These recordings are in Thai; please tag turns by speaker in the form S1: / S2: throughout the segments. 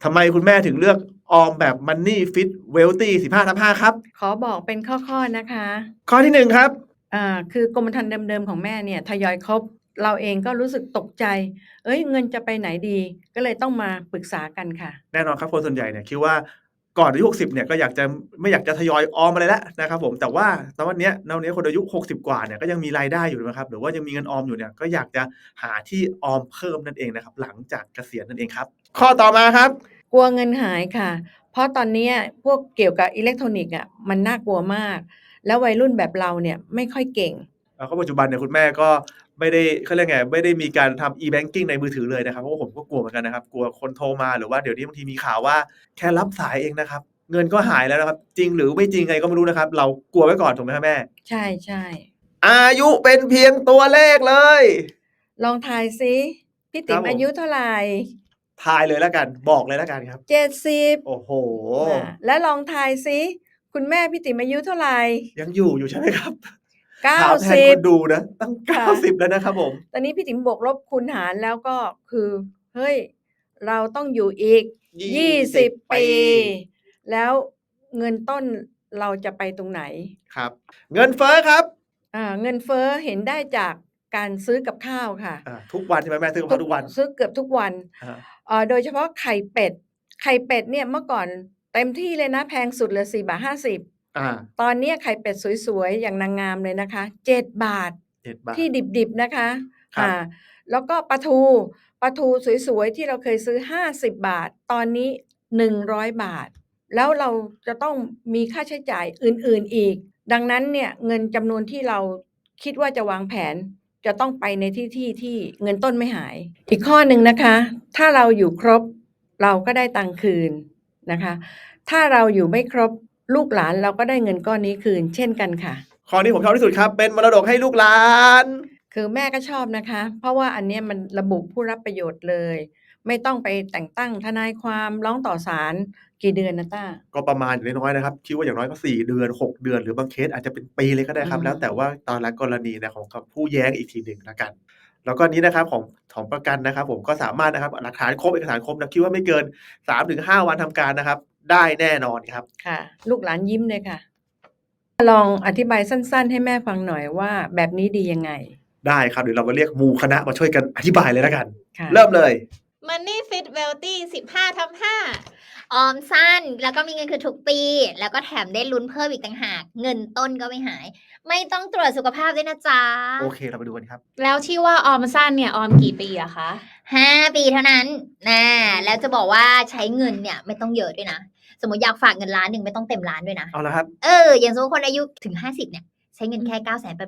S1: ทำไมคุณแม่ถึงเลือกออมแบบ Money Fit Wealthy 15/5ครับ
S2: ขอบอกเป็นข้อๆนะคะ
S1: ข้อที่1ครับ
S2: คือกรมธรรม์เดิมๆของแม่เนี่ยทยอยครบเราเองก็รู้สึกตกใจเงินจะไปไหนดีก็เลยต้องมาปรึกษากันค่ะ
S1: แน่นอนครับคนส่วนใหญ่เนี่ยคิดว่าก่อนอายุ60เนี่ยก็ไม่อยากจะทยอยออมอะไรแล้วนะครับผมแต่ว่าตอนเนี้ยคนอายุ60กว่าเนี่ยก็ยังมีรายได้อยู่นะครับหรือว่ายังมีเงินออมอยู่เนี่ยก็อยากจะหาที่ออมเพิ่มนั่นเองนะครับหลังจากเกษียณนั่นเองครับข้อต่อมาครับ
S2: กลัวเงินหายค่ะเพราะตอนนี้พวกเกี่ยวกับอิเล็กทรอนิกส์มันน่ากลัวมากแล้ววัยรุ่นแบบเราเนี่ยไม่ค่อยเก่ง
S1: ก็ปัจจุบันเนี่ยคุณแม่ก็ไม่ได้เขาเรียกไงไม่ได้มีการทำ e-banking ในมือถือเลยนะครับเพราะว่าผมก็กลัวเหมือนกันนะครับกลัวคนโทรมาหรือว่าเดี๋ยวนี้บางทีมีข่าวว่าแค่รับสายเองนะครับเงินก็หายแล้วนะครับจริงหรือไม่จริงไงก็ไม่รู้นะครับเรากลัวไว้ก่อนถูกไหมครับแม่
S2: ใช่ใช่
S1: อายุเป็นเพียงตัวเลขเลย
S2: ลองทายซิพี่ติ๋มอายุเท่าไหร่
S1: ทายเลยแล้วกันบอกเลยแล้วกันครับ
S2: 70
S1: โอ้โห
S2: แล้วลองทายซิคุณแม่พี่ติ๋มอายุเท่าไหร่
S1: ยังอยู่ใช่ไหมครับ
S2: 90
S1: ถามแทนคนดูนะตั้ง90แล้วนะครับผม
S2: ตอนนี้พี่ติ๋มบวกลบคูณหารแล้วก็คือเฮ้ยเราต้องอยู่อีก20 ปีแล้วเงินต้นเราจะไปตรงไหน
S1: ครับเงินเฟ้อครับ
S2: เงินเฟ้อเห็นได้จากการซื้อกับข้าวค่ะ
S1: ทุกวันใช่ไหมแม่ซื้อกับข้าวทุกวัน
S2: ซื้อเกือบทุกวันโดยเฉพาะไข่เป็ดเนี่ยเมื่อก่อนเต็มที่เลยนะแพงสุดเลย4.50 บาทตอนนี้ไข่เป็ดสวยๆอย่างนางงามเลยนะคะ7 บาทที่ดิบๆนะคะแล้วก็ปลาทูสวยๆที่เราเคยซื้อ50 บาทตอนนี้100 บาทแล้วเราจะต้องมีค่าใช้จ่ายอื่นๆอีกดังนั้นเนี่ยเงินจำนวนที่เราคิดว่าจะวางแผนจะต้องไปในที่เงินต้นไม่หายอีกข้อหนึ่งนะคะถ้าเราอยู่ครบเราก็ได้ตังค์คืนนะคะถ้าเราอยู่ไม่ครบลูกหลานเราก็ได้เงินก้อนนี้คืนเช่นกันค่ะ
S1: ข้อนี้ผมชอบที่สุดครับเป็นมรดกให้ลูกหลาน
S2: คือแม่ก็ชอบนะคะเพราะว่าอันนี้มันระบุผู้รับประโยชน์เลยไม่ต้องไปแต่งตั้งทนายความร้องต่อศาลกี่เดือนนะต้า
S1: ก็ประมาณอย่างน้อยๆนะครับคิดว่าอย่างน้อยก็4 เดือน6 เดือนหรือบางเคสอาจจะเป็นปีเลยก็ได้ครับแล้วแต่ว่าตอนละกรณีนะของผู้แย้งอีกทีหนึ่งแล้วกันแล้วก็นี้นะครับของประกันนะครับผมก็สามารถนะครับหลักฐานครบเอกสารครบนะคิดว่าไม่เกิน 3-5 วันทำการนะครับได้แน่นอนครับ
S2: ค่ะลูกหลานยิ้มเลยค่ะลองอธิบายสั้นๆให้แม่ฟังหน่อยว่าแบบนี้ดียังไง
S1: ได้ครับเดี๋ยวเรามาเรียกหมู่คณะมาช่วยกันอธิบายเลยแล้วกันเริ่มเลย
S3: Money Fit Wealthy 15/5ออมสั้นแล้วก็มีเงินคืนทุกปีแล้วก็แถมได้ลุ้นเพิ่มอีกต่างหากเงินต้นก็ไม่หายไม่ต้องตรวจสุขภาพด้วยนะจ๊ะ
S1: โอเคเราไปดูกันครับ
S4: แล้วที่ว่าออมสั้นเนี่ยออมกี่ปีอะคะ
S3: 5 ปีเท่านั้นแล้วจะบอกว่าใช้เงินเนี่ยไม่ต้องเยอะด้วยนะสมมติอยากฝากเงิน1,000,000ไม่ต้องเต็มล้านด้วยนะ
S1: เอาละครับ
S3: อย่างสมมติคนอายุถึง50เนี่ยใช้เงินแค่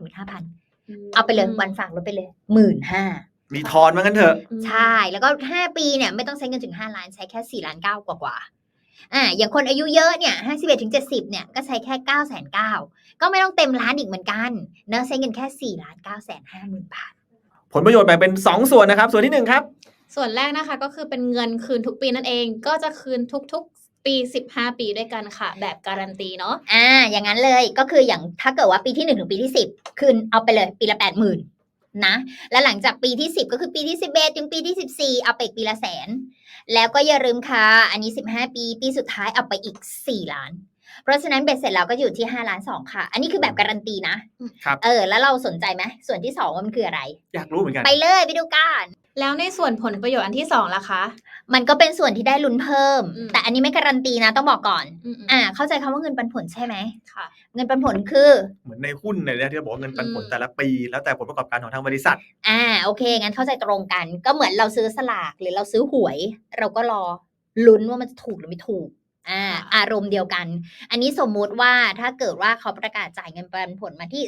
S3: 985,000 เอาไปเลยวันฝากลดไปเลย 15,000
S1: มีทอนมางั้นเถอะ
S3: ใช่แล้วก็5 ปีเนี่ยไม่ต้องใช้เงินถึง5 ล้านใช้แค่4.9 ล้านกว่าอย่างคนอายุเยอะเนี่ย51-70เนี่ยก็ใช้แค่990,000ก็ไม่ต้องเต็มล้านอีกเหมือนกันเนอะใช้เงินแค่4,950,000 บาท
S1: ผลประโยชน์แบ่งเป็น2ส่วนนะครับส่วนที่1ครับ
S4: ส่วนแรกนะคะก็คือเป็นเงินคืนทุกปีนั่นเองก็จะคืนทุกๆปี15 ปีด้วยกันค่ะแบบการันตีเนาะ
S3: อย่างนั้นเลยก็คืออย่างถ้าเกิดว่าปีที่1ถึงปีที่10คืนเอาไปเลยปีละ 80,000นะแล้วหลังจากปีที่10ก็คือปีที่11ถึงปีที่14เอาไปอีกปีละ100,000แล้วก็อย่าลืมค่ะอันนี้15 ปีปีสุดท้ายเอาไปอีก4 ล้านเพราะฉะนั้นเบ็ดเสร็จแล้วก็อยู่ที่5.2 ล้านค่ะอันนี้คือแบบการันตีนะครับแล้วเราสนใจไหมส่วนที่2ว่ามันคืออะไร
S1: อยากรู้เหมือนกัน
S3: ไปเลยไปดูกัน
S4: แล้วในส่วนผลประโยชน์อันที่2ล่ะคะ
S3: มันก็เป็นส่วนที่ได้ลุ้นเพิ่มแต่อันนี้ไม่การันตีนะต้องบอกก่อนเข้าใจคำว่าเงินปันผลใช่ไหม
S4: ค่ะ
S3: เงินปันผลคือ
S1: เหมือนในหุ้นเนี่ยที่เราบอกว่าเงินปันผลแต่ละปีแล้วแต่ผลประกอบการของทางบริษัท
S3: โอเคงั้นเข้าใจตรงกันก็เหมือนเราซื้อสลากหรือเราซื้อหวยเราก็รอลุ้นว่ามันจะถูกหรือไม่ถูกอารมณ์เดียวกันอันนี้สมมุติว่าถ้าเกิดว่าเขาประกาศจ่ายเงินปันผลมาที่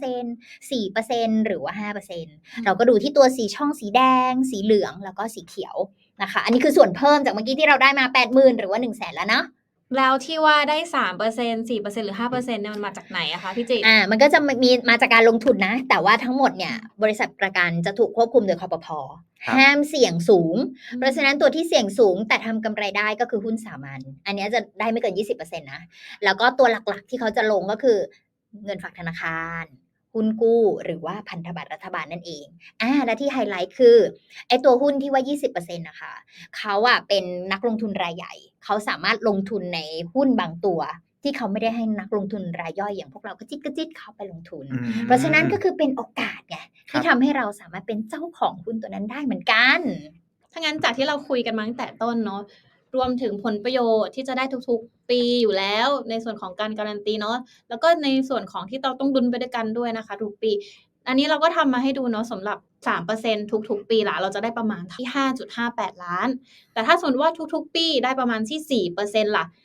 S3: 3% 4% หรือว่า 5% เราก็ดูที่ตัวสีช่องสีแดงสีเหลืองแล้วก็สีเขียวนะคะอันนี้คือส่วนเพิ่มจากเมื่อกี้ที่เราได้มา 80,000 หรือว่า 100,000 แล้วเนาะ
S4: แล้วที่ว่าได้ 3% 4% หรือ 5% เนี่ยมันมาจากไหนอะคะพี่จิ
S3: มันก็จะมีมาจากการลงทุนนะแต่ว่าทั้งหมดเนี่ยบริษัทประกันจะถูกควบคุมโดยคปภ.ห้ามเสี่ยงสูงเพราะฉะนั้นตัวที่เสี่ยงสูงแต่ทำกำไรได้ก็คือหุ้นสามัญอันนี้จะได้ไม่เกิน 20% นะแล้วก็ตัวหลักๆที่เขาจะลงก็คือเงินฝากธนาคารหุ้นกู้หรือว่าพันธบัตรรัฐบาลนั่นเองและที่ไฮไลท์คือไอ้ตัวหุ้นที่ว่า 20% นะคะเขาเป็นนักลงทุนรายใหญ่เขาสามารถลงทุนในหุ้นบางตัวที่เขาไม่ได้ให้นักลงทุนรายย่อยอย่างพวกเราก็จิตเข้าไปลงทุนเพราะฉะนั้นก็คือเป็นโอกาสไงที่ทำให้เราสามารถเป็นเจ้าของหุ้นตัวนั้นได้เหมือนกัน
S4: ถ้างั้นจากที่เราคุยกันมาตั้งแต่ต้นเนาะรวมถึงผลประโยชน์ที่จะได้ทุกๆปีอยู่แล้วในส่วนของการการันตีเนาะแล้วก็ในส่วนของที่เราต้องดุลไปด้วยกันด้วยนะคะทุกปีอันนี้เราก็ทำมาให้ดูเนาะสำหรับ 3% ทุกๆปีละเราจะได้ประมาณที่ 5.58 ล้านแต่ถ้าสมมติว่าทุกๆปีได้ประมาณที่ 4% ล่ะ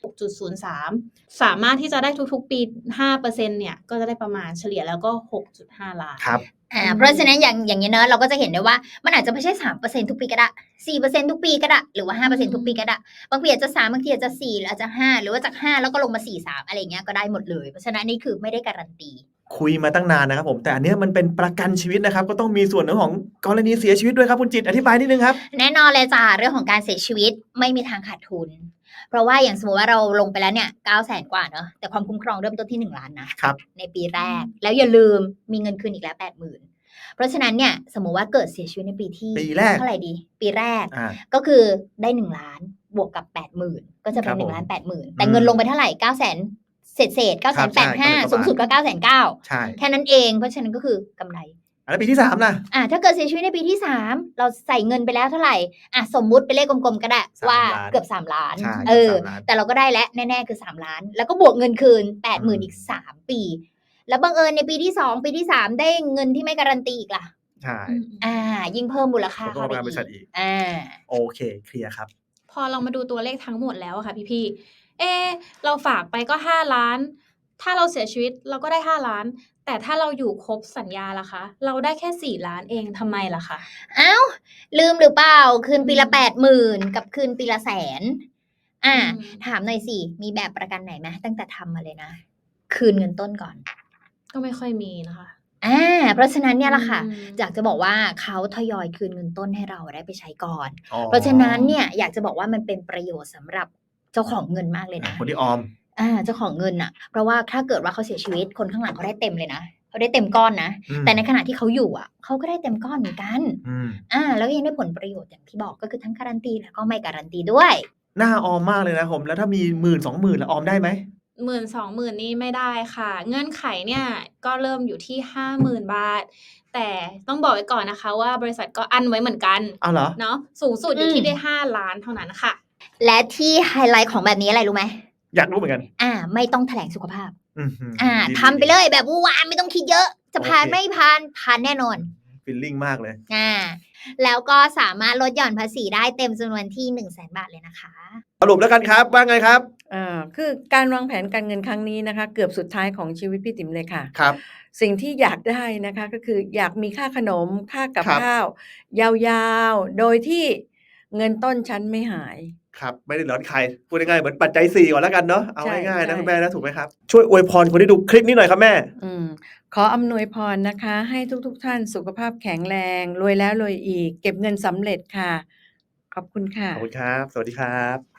S4: 6.03 สามารถที่จะได้ทุกๆปี 5% เนี่ยก็จะได้ประมาณเฉลี่ยแล้วก็ 6.5 ล้าน
S1: ครับ
S3: เพราะฉะนั้นอย่างนี้เนอะเราก็จะเห็นได้ว่ามันอาจจะไม่ใช่ 3% ทุกปีก็ได้ 4% ทุกปีก็ได้หรือว่า 5% ทุกปีก็ได้บางปีอาจจะ3บางทีอาจจะ4หรืออาจจะ5หรือว่าจาก5แล้วก็ลงมา4 3อะไรเงี้ยก็ได้หมดเลยเพราะฉะนั้นนี่คือไม่ได้การันตี
S1: คุยมาตั้งนานนะครับผมแต่อันนี้มันเป็นประกันชีวิตนะครับก็ต้องมีส่วนของกรณีเสียชีวิตด้วยครับคุณจิตอธิบายนิดนึงครับ
S3: แน่นอนเลยจ้าเรื่องของการเสียชีวิตไม่มีทางขาดทุนเพราะว่าอย่างสมมติว่าเราลงไปแล้วเนี่ย 900,000 กว่าเนอะแต่ความคุ้มครองเริ่มต้นที่1 ล้านนะครับในปีแรกแล้วอย่าลืมมีเงินคืนอีกแล้ว 80,000 เพราะฉะนั้นเนี่ยสมมุติว่าเกิดเสียชีวิตในปีที่เท่าไหร่ดีปีแรกก็คือได้1 ล้านบวกกับ 80,000 ก็จะเป็น1,80,000แต่เงินลงไปเท่าไหร่ 900,000 เศษ 985,000 สูงสุดก็ 990,000
S1: ใช่
S3: แค่นั้นเองเพราะฉะนั้นก็คือกำไร
S1: แล้วปีที่3ล่ะ
S3: ถ้าเกิดเสียชีวิตในปีที่3เราใส่เงินไปแล้วเท่าไหร่สมมุติเป็นเลขกลมๆก็ได้ว่าเกือบ3 ล้านแต่เราก็ได้แล้วแน่ๆคือ3 ล้านแล้วก็บวกเงินคืน 80,000 อีก3 ปีแล้วบังเอิญในปีที่2ปีที่3ได้เงินที่ไม่การันตีอีกล่ะ
S1: ใช่
S3: ยิ่งเพิ่มมูลค่า
S1: เข้าไปอีกโอเคเคลียร์ครับ
S4: พอเรามาดูตัวเลขทั้งหมดแล้วค่ะพี่เราฝากไปก็5 ล้านถ้าเราเสียชีวิตเราก็ได้5 ล้านแต่ถ้าเราอยู่ครบสัญญาล่ะคะเราได้แค่4 ล้านเองทำไมล่ะคะ
S3: ลืมหรือเปล่าคืนปีละ 80,000 กับคืนปีละ100,000ถามหน่อยสิมีแบบประกันไหนไหมตั้งแต่ทำมาเลยนะคืนเงินต้นก่อน
S4: ก็ไม่ค่อยมีนะคะ
S3: เพราะฉะนั้นเนี่ยแหละค่ะอยากจะบอกว่าเขาทยอยคืนเงินต้นให้เราได้ไปใช้ก่อนเพราะฉะนั้นเนี่ยอยากจะบอกว่ามันเป็นประโยชน์สำหรับเจ้าของเงินมากเลยนะ
S1: คนที่ออม
S3: เจ้าของเงินอ่ะเพราะว่าถ้าเกิดว่าเขาเสียชีวิตคนข้างหลังเขาได้เต็มเลยนะเขาได้เต็มก้อนนะแต่ในขณะที่เขาอยู่เขาก็ได้เต็มก้อนเหมือนกันแล้วก็ยังได้ผลประโยชน์อย่างที่บอกก็คือทั้งการันตีแล้วก็ไม่การันตีด้วย
S1: น่าออมมากเลยนะผมแล้วถ้ามี 10,000-20,000 แล้วออมได้ไหม
S4: 10,000-20,000นี่ไม่ได้ค่ะเงื่อนไขเนี่ยก็เริ่มอยู่ที่ 50,000 บาทแต่ต้องบอกไว้ก่อนนะคะว่าบริษัทก็อั้นไว้เหมือนกัน
S1: เหรอ
S4: เนาะสูงสุดอยู่ที่ได้5 ล้านเท่านั้นค่ะ
S3: และที่ไฮไลท์ของแบบนี้อะไรรู้ไหม
S1: อยากรู้เหมือนกัน
S3: ไม่ต้องแถลงสุขภาพทำไปเลยแบบว้าไม่ต้องคิดเยอะจะผ่านไม่ผ่านแน่นอน
S1: ฟีลลิ่งมากเลย
S3: แล้วก็สามารถลดหย่อนภาษีได้เต็มจำนวนที่ 100,000 บาทเลยนะคะ
S1: สรุปแล้วกันครับว่าไงครับ
S2: คือการวางแผนการเงินครั้งนี้นะคะเกือบสุดท้ายของชีวิตพี่ติ๋มเลยค่ะ
S1: ครับ
S2: สิ่งที่อยากได้นะคะก็คืออยากมีค่าขนมค่ากับข้าวยาวๆโดยที่เงินต้นชั้นไม่หาย
S1: ครับไม่ได้ร้อนใครพูดง่ายๆเหมือนปัจจัย4ก่อนแล้วกันเนาะเอาง่ายๆนะคุณแม่นะถูกไหมครับช่วยอวยพรคนที่ดูคลิปนี้หน่อยครับแม่
S2: ขออำนวยพรนะคะให้ทุกท่านสุขภาพแข็งแรงรวยแล้วรวยอีกเก็บเงินสำเร็จค่ะขอบคุณค่ะ
S1: ขอบคุณครับสวัสดีครับ